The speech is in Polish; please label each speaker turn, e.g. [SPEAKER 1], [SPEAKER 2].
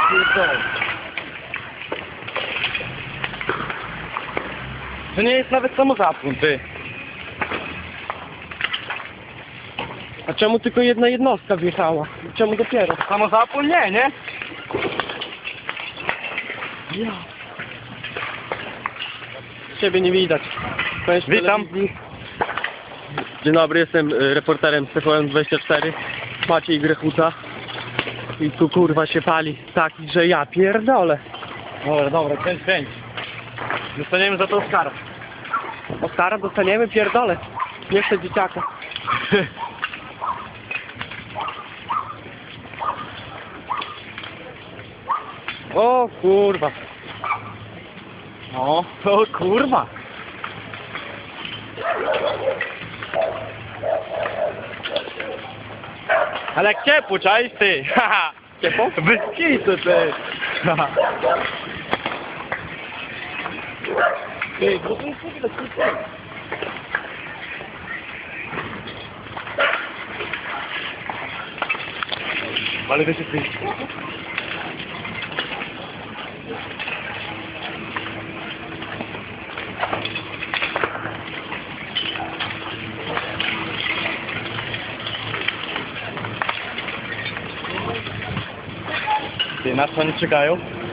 [SPEAKER 1] pierdolę. To nie jest nawet samozapłon, ty.
[SPEAKER 2] A czemu tylko jedna jednostka wjechała? Czemu dopiero?
[SPEAKER 1] Samozapłon nie, nie?
[SPEAKER 2] Ja. Ciebie nie widać. Powiem,
[SPEAKER 1] Witam.
[SPEAKER 2] telewizji. Dzień dobry, jestem reporterem TVN24, Maciej Grechuta. I tu kurwa się pali taki, że ja pierdolę.
[SPEAKER 1] Dobra, kręć. Dostaniemy za to Oscara.
[SPEAKER 2] Oscara dostaniemy, pierdolę. Nie chcę dzieciaka. O kurwa.
[SPEAKER 1] O kurwa. Ale jak ciepło, czaisz ty? Haha.
[SPEAKER 2] Ciepło?
[SPEAKER 1] Bez kitu, ty.
[SPEAKER 2] Ty, bo to jest w ogóle kurwa.
[SPEAKER 1] Ale wiecie ty. Ty, na co oni czekają?